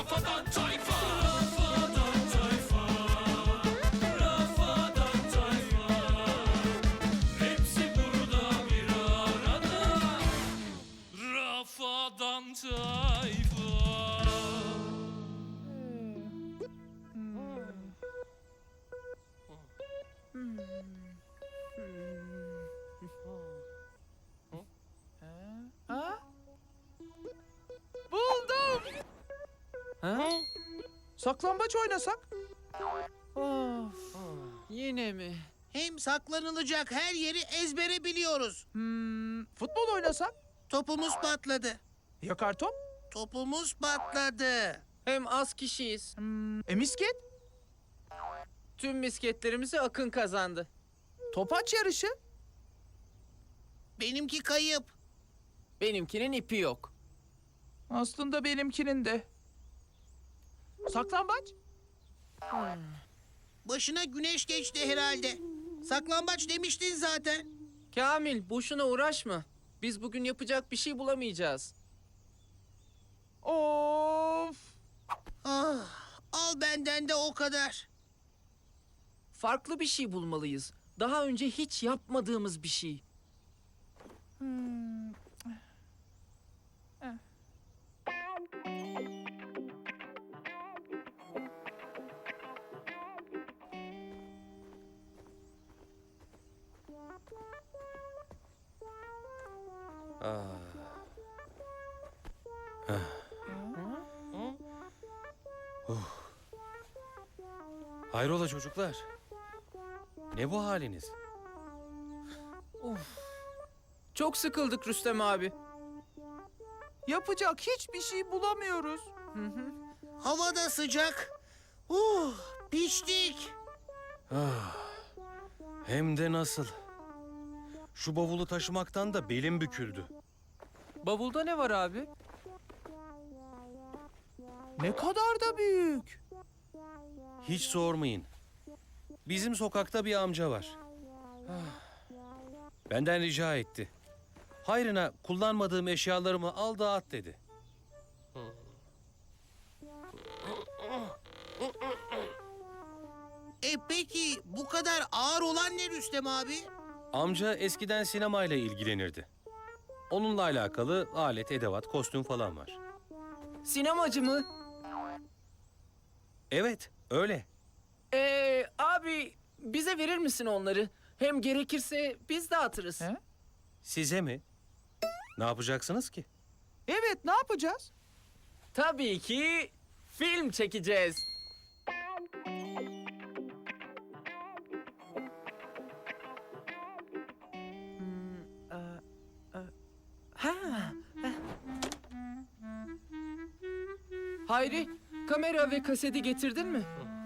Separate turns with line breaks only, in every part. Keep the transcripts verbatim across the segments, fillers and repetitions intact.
Rafadan Tayfa. Rafadan Tayfa. Rafadan Tayfa. Hepsi burada bir arada. Rafadan Tayfa.
Ha? Buldum.
Ha?
Saklambaç oynasak?
Of. Yine mi?
Hem saklanılacak her yeri ezbere biliyoruz.
Hmm, futbol oynasak?
Topumuz patladı.
Ya kartop?
Topumuz patladı.
Hem az kişiyiz.
Hmm, e misket?
Tüm misketlerimizi Akın kazandı.
Topaç yarışı?
Benimki kayıp.
Benimkinin ipi yok.
Aslında benimkinin de. Saklambaç?
Başına güneş geçti herhalde. Saklambaç demiştin zaten.
Kamil, boşuna uğraşma. Biz bugün yapacak bir şey bulamayacağız.
Of!
Ah, al benden de o kadar.
Farklı bir şey bulmalıyız. Daha önce hiç yapmadığımız bir şey.
Hmm.
Hayrola çocuklar? Ne bu haliniz?
Çok sıkıldık Rüstem abi.
Yapacak hiçbir şey bulamıyoruz.
Hava da sıcak. Uh, piştik.
Ah, hem de nasıl? Şu bavulu taşımaktan da belim büküldü.
Bavulda ne var abi?
Ne kadar da büyük.
Hiç sormayın. Bizim sokakta bir amca var. Benden rica etti. Hayrına kullanmadığım eşyalarımı al dağıt dedi.
E peki bu kadar ağır olan ne Rüstem abi?
Amca eskiden sinemayla ilgilenirdi. Onunla alakalı alet, edevat, kostüm falan var.
Sinemacı mı?
Evet, öyle.
Ee, abi bize verir misin onları? Hem gerekirse biz dağıtırız.
He?
Size mi? Ne yapacaksınız ki?
Evet, ne yapacağız?
Tabii ki film çekeceğiz. Ha. Hayri, kamera ve kaseti getirdin mi?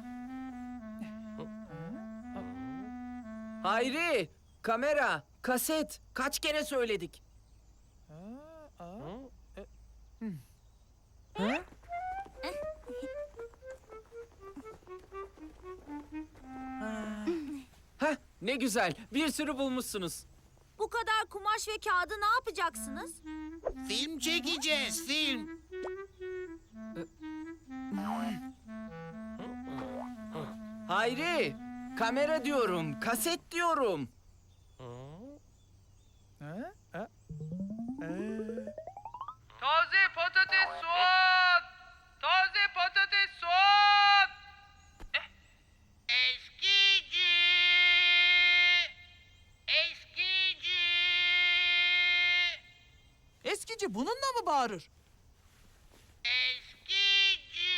Hayri, kamera, kaset. Kaç kere söyledik? Ha? Heh, ne güzel. Bir sürü bulmuşsunuz.
Bu kadar kumaş ve kağıdı ne yapacaksınız?
Film çekeceğiz, film.
Hayri, kamera diyorum, kaset diyorum.
Ha? Ha?
Taze patates soğan! Taze patates soğan!
Eskici! Eskici!
Eskici bununla mı bağırır?
Eskici!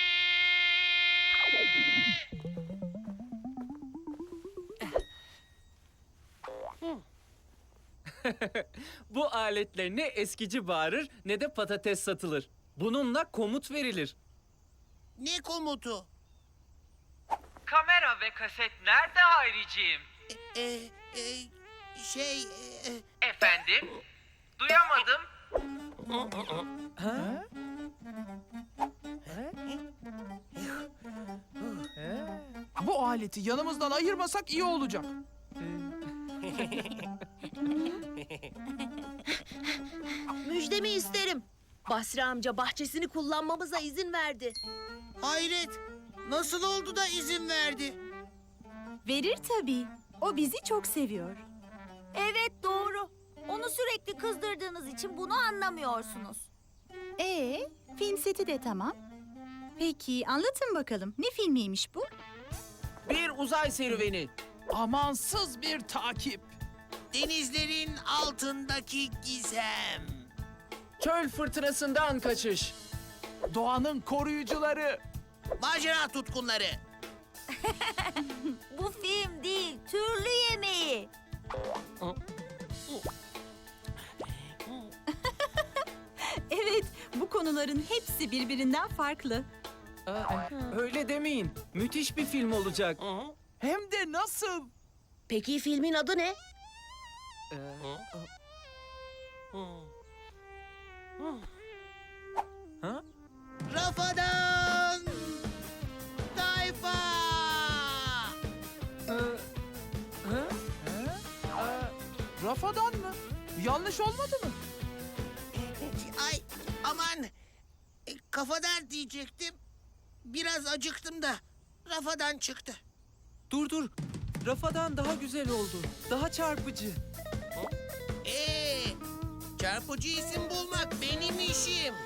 Bu aletle ne eskici bağırır ne de patates satılır. Bununla komut verilir.
Ne komutu?
Kamera ve kaset nerede Hayriciğim?
E, e, şey... e,
Efendim? Duyamadım.
Ha? Bu aleti yanımızdan ayırmasak iyi olacak.
Müjdemi isterim.
Basri amca bahçesini kullanmamıza izin verdi.
Hayret. Nasıl oldu da izin verdi?
Verir tabii. O bizi çok seviyor.
Evet doğru. Onu sürekli kızdırdığınız için bunu anlamıyorsunuz.
Ee, film seti de tamam. Peki anlatın bakalım. Ne filmiymiş bu?
Bir uzay serüveni.
Amansız bir takip.
Denizlerin altındaki gizem.
Çöl fırtınasından kaçış.
Doğanın koruyucuları.
Macera tutkunları.
Bu film değil, türlü yemeği.
Evet, bu konuların hepsi birbirinden farklı.
Öyle demeyin. Müthiş bir film olacak.
Hem de nasıl?
Peki filmin adı ne?
Rafadan Tayfa.
Rafadan mı? Yanlış olmadı mı?
Ay aman. E, kafadan diyecektim. Biraz acıktım da rafadan çıktı.
Dur dur. Rafadan daha güzel oldu. Daha çarpıcı.
Ee, çarpıcı isim bulmak benim işim.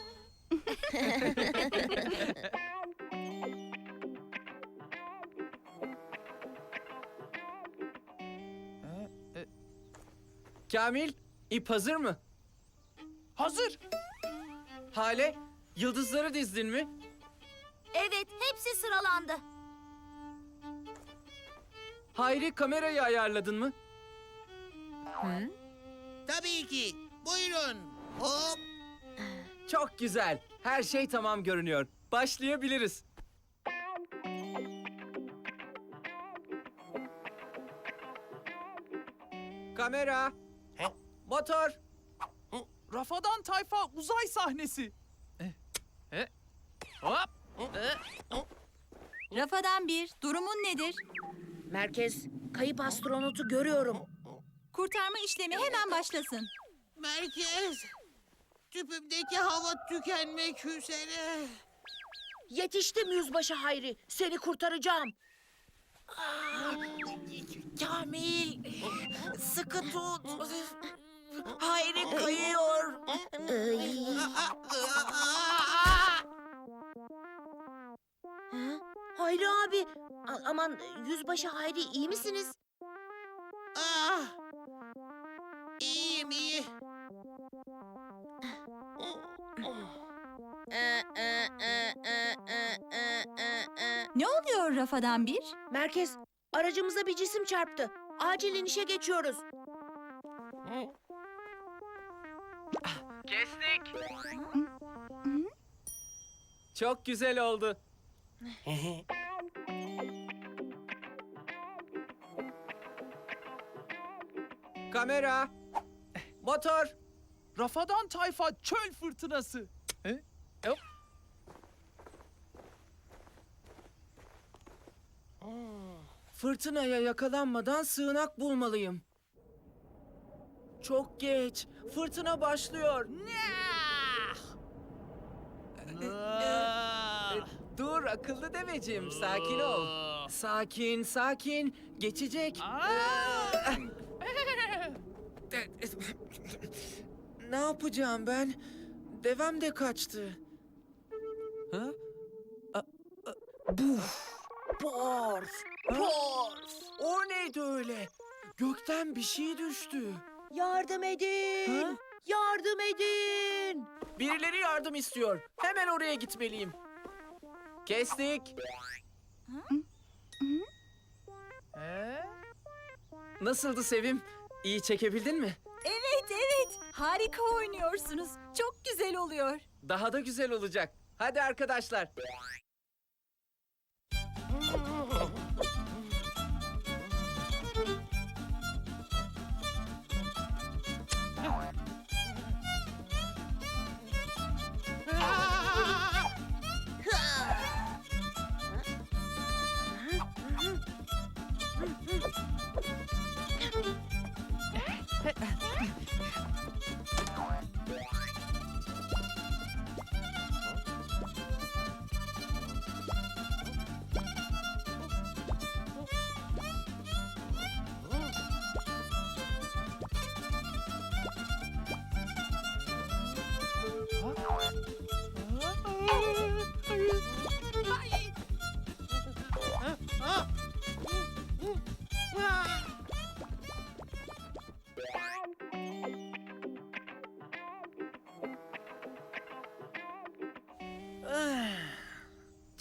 Kamil, ip hazır mı?
Hazır.
Hale, yıldızları dizdin mi?
Evet, hepsi sıralandı.
Hayri, kamerayı ayarladın mı?
Tabii ki. Buyurun. Hop.
Çok güzel. Her şey tamam görünüyor. Başlayabiliriz. Kamera. Motor.
Rafadan Tayfa uzay sahnesi. Eh, eh, Hop.
Rafadan bir, durumun nedir?
Merkez, kayıp astronotu görüyorum.
Kurtarma işlemi hemen başlasın.
Merkez. Tüpümdeki hava tükenmek üzere.
Yetiştim Yüzbaşı Hayri, seni kurtaracağım.
Kamil. Sıkı tut. Hayri kayıyor.
Hayri abi, a- aman Yüzbaşı Hayri iyi misiniz?
Ah. İyiyim iyi.
Ne oluyor Rafadan bir?
Merkez, aracımıza bir cisim çarptı. Acil inişe geçiyoruz.
Kestik. Çok güzel oldu. Kamera. Motor.
Rafadan Tayfa çöl fırtınası. Eh, hop.
Fırtınaya yakalanmadan sığınak bulmalıyım. Çok geç. Fırtına başlıyor.
Ah.
E, Dur akıllı deveciğim, sakin ol. Sakin, sakin. Geçecek.
Ah.
Ne yapacağım ben? Devem de kaçtı. Ha? A- a- Buf! Porf! Porf! O neydi öyle? Gökten bir şey düştü.
Yardım edin!
Ha?
Yardım edin!
Birileri yardım istiyor. Hemen oraya gitmeliyim. Kestik.
Eh?
Nasıldı Sevim? İyi çekebildin mi?
Evet, evet. Harika oynuyorsunuz. Çok güzel oluyor.
Daha da güzel olacak. Hadi arkadaşlar.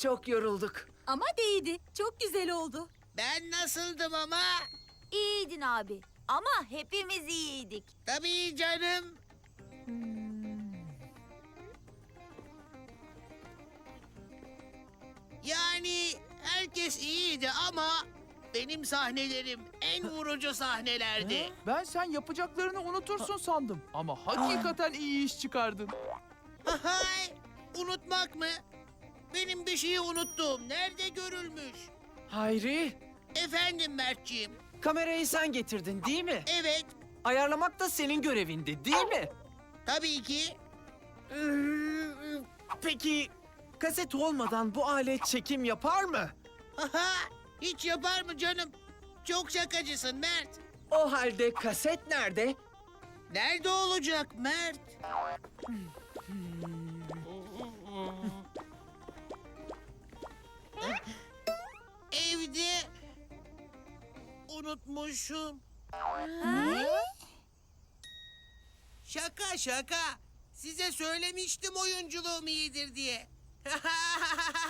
çok yorulduk.
Ama değdi. Çok güzel oldu.
Ben nasıldım ama?
İyiydin abi. Ama hepimiz iyiydik.
Tabii canım. Yani herkes iyiydi ama benim sahnelerim en vurucu sahnelerdi.
Ben sen yapacaklarını unutursun sandım. Ama hakikaten iyi iş çıkardın.
Hay, unutmak mı? Benim bir şeyi unuttuğum nerede görülmüş?
Hayri,
Efendim Mertciğim.
kamerayı sen getirdin değil mi?
Evet,
Ayarlamak da senin görevindi değil mi?
tabii ki.
Ee, Peki, kaset olmadan bu alet çekim yapar mı?
Haha, hiç yapar mı canım? Çok şakacısın Mert.
O halde kaset nerede?
Nerede olacak Mert? Evde unutmuşum. Şaka şaka. Size söylemiştim oyunculuğum iyidir diye.